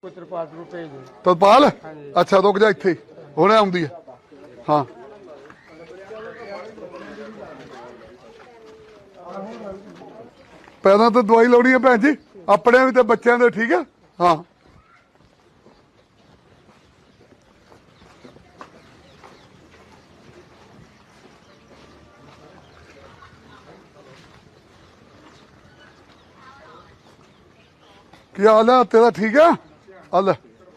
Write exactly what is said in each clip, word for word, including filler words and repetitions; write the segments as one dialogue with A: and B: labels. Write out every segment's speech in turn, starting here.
A: ਤਰਪਾਲ ਅੱਛਾ ਰੁਕ ਜਾ ਇੱਥੇ ਹੁਣੇ ਆਉਂਦੀ ਹੈ ਹਾਂ पैदा तो दवाई लानी है भैन जी अपने भी तो बच्चों के ठीक है हाँ क्या हाल है तेरा ठीक है हल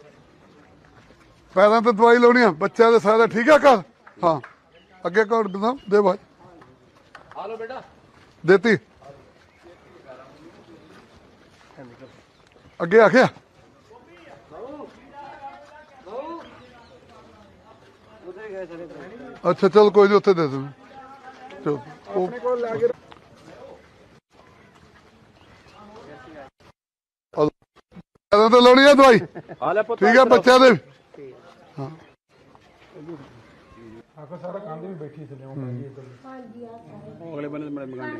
A: पैदा तो दवाई लानी है बच्चों के सारे ठीक है घर हाँ अगे कौन दे भाई हालो बेटा देती अगे आखिया अच्छा चल कोई नहीं उत्थे दे दूँ चल तो लानी है दवाई ठीक है बच्चा दे हाँ सारा काम भी बैठी थी अगले बने बड़े मकान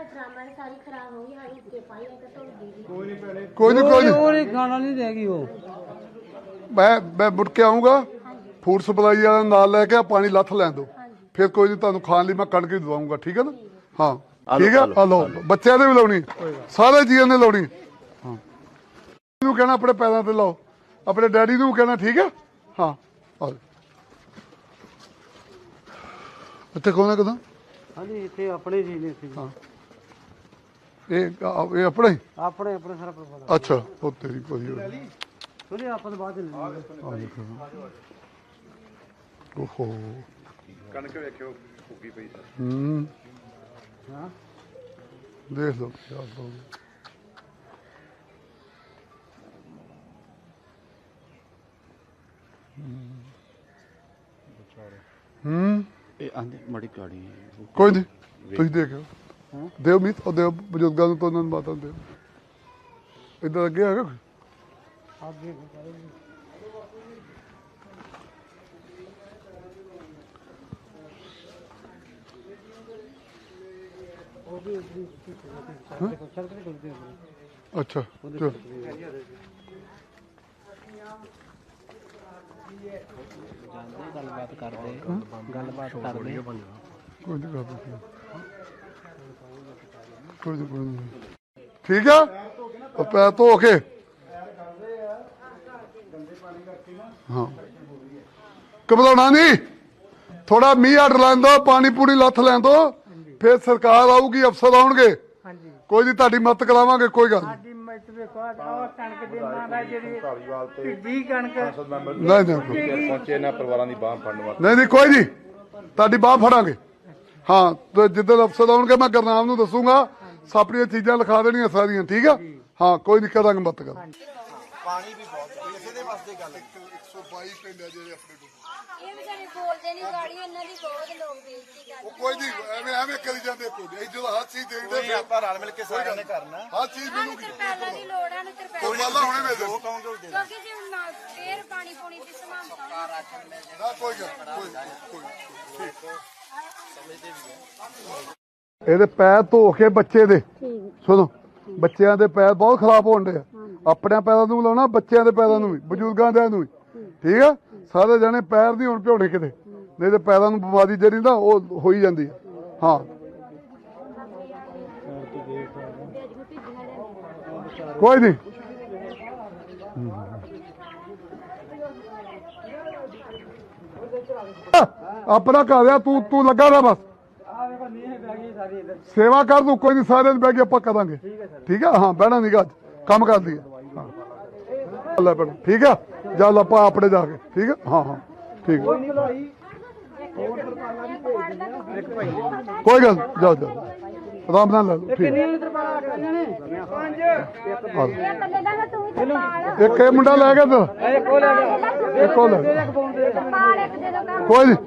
A: कोई नहीं कोई नहीं गाना नहीं देगी वो मैं मैं मुड़ के आऊंगा फूड सप्लाई वाला नाल लेके पानी लथ लैन दो फिर कोई नहीं तुहानू खान लई मैं कणक ही दवाऊंगा ठीक है ना हाँ ठीक है लो बच्चों ने भी लाउनी सारे जीवन ने लाउनी हाँ कहना अपने पैरों ते लाओ अपने डैडी नू कहना ठीक है हाँ ਇੱਥੇ ਕੌਣ ਹੈ ਕਦੋਂ
B: ਹਾਂਜੀ ਇੱਥੇ ਆਪਣੇ ਜੀ ਨੇ ਇੱਥੇ
A: ਹਾਂ ਇਹ ਇਹ ਆਪਣੇ
B: ਆਪਣੇ ਆਪਣੇ ਸਾਰਾ ਪਰਿਵਾਰ
A: ਅੱਛਾ ਉਹ ਤੇਰੀ ਕੋਈ
B: ਥੋੜੀ ਆਪਾਂ ਤੋਂ ਬਾਅਦ ਲੈ ਲਵਾਂਗੇ
A: ਓਹੋ
C: ਕਣਕ ਵੇਖਿਓ ਫੁੱਗੀ ਪਈ
A: ਹੂੰ
B: ਹਾਂ
A: ਦੇਖ ਲਓ ਯਾਰ ਦੋ ਹੂੰ
C: ਇਹ ਆਂਦੇ ਮੜੀ ਕਾੜੀ
A: ਕੋਈ ਨਹੀਂ ਤੁਸੀਂ ਦੇਖਿਓ ਦਿਓ ਮੀਤ ਉਹ ਦਿਓ ਬਜ਼ੁਰਗਾਂ ਨੂੰ ਤਾਂ ਉਹਨਾਂ ਨੂੰ ਮਾਤਾ ਦਿਓ ਇੱਧਰ ਅੱਗੇ ਹੈਗਾ
B: ਅੱਗੇ ਉਹ ਵੀ
A: ਅੱਛਾ ਚਲੋ
B: ਗੱਲਬਾਤ ਕਰਦੇ ਗੱਲਬਾਤ ਕਰਦੇ
A: ਕੋਈ ਨਹੀਂ ਕਰਦੇ ਕੋਈ ਨਹੀਂ ਕੋਈ ਨਹੀਂ ਠੀਕ ਆ ਉਹ ਪੈਰ ਧੋ ਕੇ ਹਾਂ ਘਬਰਾਉਣਾ ਨਹੀਂ ਥੋੜਾ ਮੀਂਹ ਹਟ ਲੈਣ ਦੋ ਪਾਣੀ ਪੂਰੀ ਲੱਥ ਲੈਣ ਦੋ ਫਿਰ ਸਰਕਾਰ ਆਊਗੀ ਅਫਸਰ ਆਉਣਗੇ ਕੋਈ ਨਹੀਂ ਤੁਹਾਡੀ ਮਦਦ ਕਰਾਵਾਂਗੇ ਕੋਈ ਗੱਲ ਨਹੀਂ ਨਹੀਂ ਨਹੀਂ
C: ਪਹੁੰਚੇ ਨਾ ਪਰਿਵਾਰਾਂ ਦੀ ਬਾਹ ਫੜਨ ਵਾਸਤੇ
A: ਨਹੀਂ ਨਹੀਂ ਕੋਈ ਨਹੀਂ ਤੁਹਾਡੀ ਬਾਹ ਫੜਾਂਗੇ ਹਾਂ ਤੇ ਜਿੱਦਣ ਅਫਸਰ ਆਉਣਗੇ ਮੈਂ ਗੁਰਨਾਮ ਨੂੰ ਦੱਸੂਗਾ ਆਪਣੀਆਂ ਚੀਜ਼ਾਂ ਲਿਖਾ ਦੇਣੀਆਂ ਸਾਰੀਆਂ ਠੀਕ ਆ ਹਾਂ ਕੋਈ ਨਹੀਂ ਕਰਾਂਗੇ ਮਤ ਕਰ
D: ਪਾਣੀ ਵੀ ਬਹੁਤ ਇਸੇ ਦੇ ਵਾਸਤੇ ਗੱਲ
A: ਇੱਕ ਸੌ ਬਾਈ ਪਿੰਡ ਆ ਜਿਹੜੇ ਆਪਣੇ ਕੋਲ
E: ਇਹ ਵਿਚਾਰੇ ਬੋਲਦੇ ਨਹੀਂ ਗਾੜੀ ਇਹਨਾਂ ਦੀ ਬਹੁਤ ਲੋਕ ਬੇਇੱਜ਼ਤੀ ਕਰਦੇ
A: ਉਹ ਕੋਈ ਨਹੀਂ ਐਵੇਂ ਐਵੇਂ ਕਰੀ ਜਾਂਦੇ ਕੋਈ ਨਹੀਂ ਜਦੋਂ ਹਰ ਚੀਜ਼ ਦੇਖਦੇ
D: ਕੋਈ ਆਪਾਂ ਰਲ ਮਿਲ ਕੇ ਸਾਰਿਆਂ ਨੇ ਕਰਨਾ
A: ਹਰ ਚੀਜ਼ ਮਿਲੂਗੀ
E: ਤਰਪਾਲਾਂ ਦੀ ਲੋੜ ਆ ਨੂੰ
A: ਕੋਈ
E: ਤਰਪਾਲਾਂ
A: ਮਾਲਾ ਹੁਣੇ ਦੇ ਦੇ
D: ਉਹ ਕਹੋਗੇ ਉਹ ਦੇ
E: ਕਿਉਂਕਿ ਜੇ ਹੁਣ ਨਾ ਫੇਰ ਪਾਣੀ ਪੂਣੀ ਦੀ ਸਮਾਨਤਾ
A: ਨਾ ਕੋਈ ਗੱਲ ਕੋਈ ਕੋਈ ਠੀਕ ਇਹਦੇ ਪੈਰ ਧੋ ਕੇ ਬੱਚੇ ਦੇ ਸੁਣੋ ਬੱਚਿਆਂ ਦੇ ਪੈਰ ਬਹੁਤ ਖਰਾਬ ਹੋਣ ਦੇ ਆ ਆਪਣੇ ਪੈਰਾਂ ਨੂੰ ਲਾਉਣਾ ਬੱਚਿਆਂ ਦੇ ਪੈਰਾਂ ਨੂੰ ਵੀ ਬਜ਼ੁਰਗਾਂ ਦੇ ਨੂੰ ਵੀ ਠੀਕ ਆ ਸਾਰੇ ਜਣੇ ਪੈਰ ਨਹੀਂ ਹੁਣ ਭਿਉਣੇ ਕਿਤੇ ਨਹੀਂ ਤੇ ਪੈਰਾਂ ਨੂੰ ਬਿਮਾਰੀ ਜਿਹੜੀ ਨਾ ਉਹ ਹੋਈ ਜਾਂਦੀ ਆ ਹਾਂ ਕੋਈ ਨਹੀਂ ਆਪਣਾ ਘਰ ਆ ਤੂੰ ਤੂੰ ਲੱਗਾ ਰਿਹਾ ਬਸ ਸੇਵਾ ਕਰ ਤੂੰ ਕੋਈ ਨਹੀਂ ਸਾਰੇ ਬਹਿ ਕੇ ਆਪਾਂ ਕਰਾਂਗੇ ਠੀਕ ਆ ਹਾਂ ਬਹਿਣਾ ਨਹੀਂ ਗਾ ਕੰਮ ਕਰ ਲਈਏ ਹਾਂ ਲੈ ਬਣ ਠੀਕ ਆ ਚੱਲ ਆਪਾਂ ਆਪਣੇ ਜਾ ਕੇ ਠੀਕ ਆ ਹਾਂ ਹਾਂ ਠੀਕ ਕੋਈ ਗੱਲ ਜਾਓ ਜਾਓ ਆਰਾਮ ਨਾਲ ਲੈ ਲਓ ਠੀਕ ਇੱਕ ਇਹ ਮੁੰਡਾ ਲੈ ਗਿਆ ਤਾਂ ਇੱਕ ਉਹ ਲੈ ਗਿਆ ਇੱਕ ਉਹ ਲੈ ਗਿਆ ਕੋਈ ਨਹੀਂ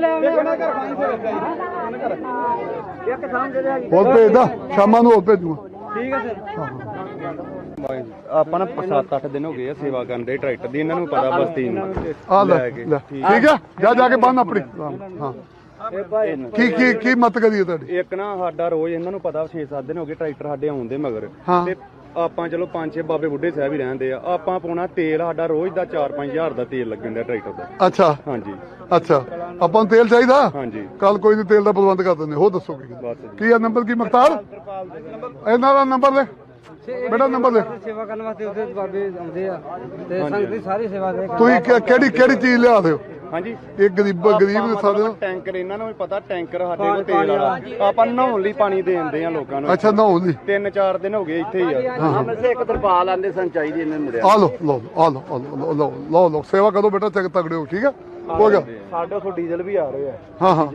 A: ਹੋਰ ਭੇਜਦਾ ਸ਼ਾਮਾਂ ਨੂੰ ਹੋਰ ਭੇਜੂਗਾ
B: ਠੀਕ ਹੈ ਸਰ
C: ਆਪਾਂ ਨਾ ਸੱਤ ਅੱਠ ਦਿਨ ਹੋ ਗਏ ਆ ਸੇਵਾ ਕਰਨ ਦੇ ਟਰੈਕਟਰ ਦੀ ਇਹਨਾਂ ਨੂੰ ਪਤਾ ਬਸਤੀ ਨੂੰ
A: ਆ ਲੈ ਠੀਕ ਆ ਜਾ ਜਾ ਕੇ ਬੰਨ ਆਪਣੀ ਹਾਂ ਕੀ ਕੀ ਕੀ ਮਤ ਕਰੀਏ ਤੁਹਾਡੀ
C: ਇੱਕ ਨਾ ਸਾਡਾ ਰੋਜ਼ ਇਹਨਾਂ ਨੂੰ ਪਤਾ ਛੇ ਸੱਤ ਦਿਨ ਹੋ ਗਏ ਟਰੈਕਟਰ ਸਾਡੇ ਆਉਂਦੇ ਮਗਰ
A: ਹਾਂ।
C: ਤੇ ਆਪਾਂ ਚਲੋ ਪੰਜ ਛੇ ਬਾਬੇ ਬੁੱਢੇ ਸਾਹਿਬ ਹੀ ਰਹਿੰਦੇ ਆ, ਆਪਾਂ ਪਾਉਣਾ ਤੇਲ ਸਾਡਾ ਰੋਜ਼ ਦਾ ਚਾਰ ਪੰਜ ਹਜ਼ਾਰ ਦਾ ਤੇਲ ਲੱਗਣ ਦਾ ਟਰੈਕਟਰ ਦਾ।
A: ਅੱਛਾ
C: ਹਾਂਜੀ
A: ਅੱਛਾ, ਆਪਾਂ ਨੂੰ ਤੇਲ ਚਾਹੀਦਾ।
C: ਹਾਂਜੀ
A: ਕੱਲ ਕੋਈ ਨਹੀਂ, ਤੇਲ ਦਾ ਪ੍ਰਬੰਧ ਕਰ ਦਿੰਦੇ। ਹੋਰ ਦੱਸੋ ਕੀ
C: ਬਸ
A: ਕੀ ਆ ਨੰਬਰ? ਕੀ ਮਖਤਾਰ ਇਹਨਾਂ ਦਾ ਨੰਬਰ ਲੈ ਬੇਟਾ, ਨੰਬਰ ਲੈ।
B: ਸੇਵਾ ਕਰਨ ਵਾਸਤੇ ਉਹਦੇ ਬਾਬੇ ਆਉਂਦੇ ਆ ਤੇ ਸੰਗਤ ਦੀ ਸਾਰੀ ਸੇਵਾ ਦੇ
A: ਤੁਸੀਂ ਕਿ- ਕਿਹੜੀ ਕਿਹੜੀ ਚੀਜ਼ ਲਿਆ ਦਿਓ?
C: ਹਾਂਜੀ
A: ਇਹ ਗਰੀਬ ਗਰੀਬ ਦੇ ਸਕਦੇ ਹੋ।
C: ਟੈਂਕਰ ਇਹਨਾਂ ਨੂੰ ਵੀ ਪਤਾ, ਟੈਂਕਰ ਸਾਡੇ ਕੋਲ ਤੇਲ ਵਾਲਾ, ਆਪਾਂ ਨਹਾਉਣ ਲਈ ਪਾਣੀ ਦੇ ਦਿੰਦੇ ਆ ਲੋਕਾਂ ਨੂੰ।
A: ਅੱਛਾ, ਨਹਾਉਣ ਦੀ।
C: ਤਿੰਨ ਚਾਰ ਦਿਨ ਹੋ ਗਏ ਇੱਥੇ ਹੀ ਆ।
B: ਹਮੇ ਸੇ ਇੱਕ ਤਰਪਾਲ ਆਂਦੇ ਸਨ ਚਾਹੀਦੀ ਇਹਨਾਂ ਮੁੰਡਿਆਂ
A: ਆ ਲਓ ਲਓ ਆ ਲਓ ਆ ਲਓ ਲਓ ਲਓ ਲਓ ਸੇਵਾ ਕਰੋ ਬੇਟਾ, ਚੱਕ ਤਗੜੇ ਹੋ। ਠੀਕ ਹੈ, ਹੋ ਗਿਆ।
C: ਸਾਡੇ ਉੱਥੋਂ ਡੀਜ਼ਲ ਵੀ ਆ ਰਹੇ ਆ।
A: ਹਾਂ ਹਾਂ,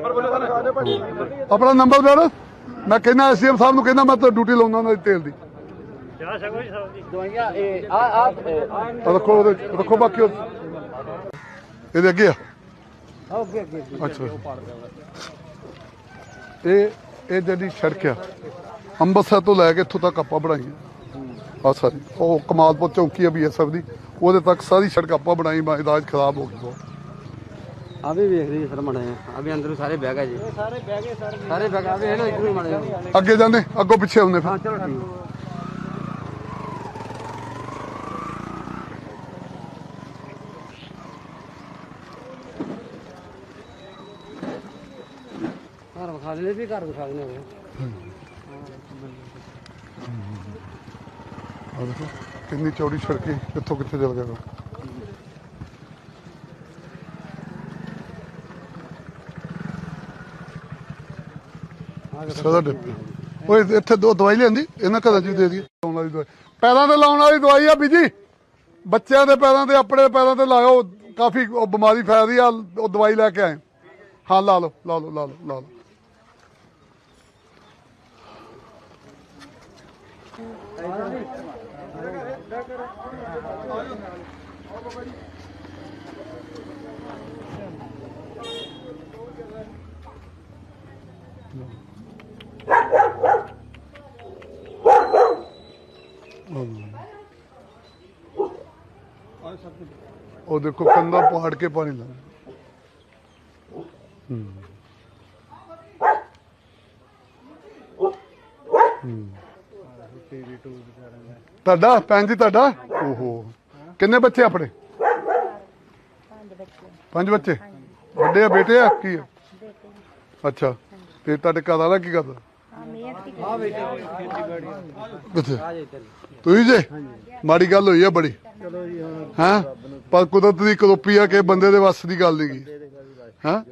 A: ਆਪਣਾ ਨੰਬਰ ਬੇਟਾ। ਮੈਂ ਕਹਿੰਦਾ ਐਸਡੀਐਮ ਸਾਹਿਬ ਨੂੰ ਕਹਿੰਦਾ ਮੈਂ ਤਾਂ ਡਿਊਟੀ ਲਾਉਂਦਾ ਉਹਨਾਂ ਦੀ ਤੇਲ ਦੀ।
B: ਦਵਾਈਆਂ ਇਹ ਆ ਆ
A: ਆਹ ਰੱਖੋ ਉਹਦੇ ਰੱਖੋ, ਬਾਕੀ ਉਹ- ਇਹਦੇ ਅੱਗੇ ਆ।
B: ਅੱਗੇ ਅੱਗੇ
A: ਅੱਛਾ, ਇਹ ਇਹ ਜਿਹੜੀ ਸੜਕ ਆ ਅੰਮ੍ਰਿਤਸਰ ਤੋਂ ਲੈ ਕੇ ਇੱਥੋਂ ਤੱਕ ਆਪਾਂ ਬਣਾਈਆਂ ਆ ਸਾਰੀ। ਉਹ ਕਮਾਲਪੁਰ ਚੌਂਕੀ ਆ ਬੀਐਸਐਫ ਦੀ, ਉਹਦੇ ਤੱਕ ਸਾਰੀ ਸੜਕ ਆਪਾਂ ਬਣਾਈ। ਇਦਾਜ ਖਰਾਬ ਹੋ ਗਈ ਬਹੁਤ।
B: ਆ ਵੀ ਵੇਖ ਲਈ ਸਰ ਮੜੇ ਆ ਵੀ ਅੰਦਰੋਂ ਸਾਰੇ ਬਹਿ ਗਏ ਜੀ। ਸਾਰੇ ਬਹਿ ਗਏ ਸਰ, ਸਾਰੇ ਬਹਿ ਗਏ। ਵੇਖ ਲਓ ਇਧਰੋਂ ਮੜੇ।
A: ਅੱਗੇ ਜਾਂਦੇ, ਅੱਗੋਂ ਪਿੱਛੇ ਆਉਂਦੇ ਫਿਰ।
B: ਹਾਂ ਚਲੋ ਠੀਕ। ਘਰ ਵਿਖਾ ਦੇਣੇ ਵੀ ਘਰ ਵਿਖਾ ਦੇਣੇ
A: ਆਹ ਦੇਖੋ ਕਿੰਨੀ ਚੌੜੀ ਸੜਕ ਹੈ, ਕਿੱਥੋਂ ਕਿੱਥੇ ਚੱਲ ਗਿਆ। ਸਦਾ ਡਿੱਪੀ ਓਏ, ਇੱਥੇ ਦੋ ਦਵਾਈ ਲਿਆਂਦੀ ਇਹਨਾਂ ਘਰਾਂ ਚ ਵੀ ਦੇ ਦਈਏ। ਲਾਉਣ ਵਾਲੀ ਦਵਾਈ, ਪੈਰਾਂ ਤੇ ਲਾਉਣ ਵਾਲੀ ਦਵਾਈ ਆ ਬੀਜੀ। ਬੱਚਿਆਂ ਦੇ ਪੈਰਾਂ ਤੇ, ਆਪਣੇ ਪੈਰਾਂ ਤੇ ਲਾਓ, ਕਾਫੀ ਉਹ ਬਿਮਾਰੀ ਫੈਲਦੀ ਆ। ਉਹ ਦਵਾਈ ਲੈ ਕੇ ਆਏ। ਹਾਂ ਲਾ ਲਓ ਲਾ ਲਓ ਲਾ ਲਓ ਲਾ ਲਓ। ਉਹ ਦੇਖੋ ਕੰਧਾ ਪਹਾੜ ਕੇ ਪਾਣੀ ਲਾ। ਤੁਹਾਡਾ ਭੈਣ ਜੀ, ਤੁਹਾਡਾ ਓਹੋ ਕਿੰਨੇ ਬੱਚੇ ਆਪਣੇ? ਪੰਜ ਬੱਚੇ। ਵੱਡੇ ਆ ਬੇਟੇ ਆ ਕੀ ਆ? ਅੱਛਾ, ਤੇ ਤੁਹਾਡੇ ਘਰ ਵਾਲਾ ਕੀ ਕਰਦਾ? ਕਿੱਥੇ? ਤੁਸੀਂ ਜੇ ਮਾੜੀ ਗੱਲ ਹੋਈ ਆ ਬੜੀ। ਹਾਂ, ਪਰ ਕੁਦਰਤ ਦੀ ਕਰੋਪੀ ਆ ਕਿ ਬੰਦੇ ਦੇ ਵੱਸ ਦੀ ਗੱਲ ਨਹੀਂ ਗਈ। ਹਾਂ,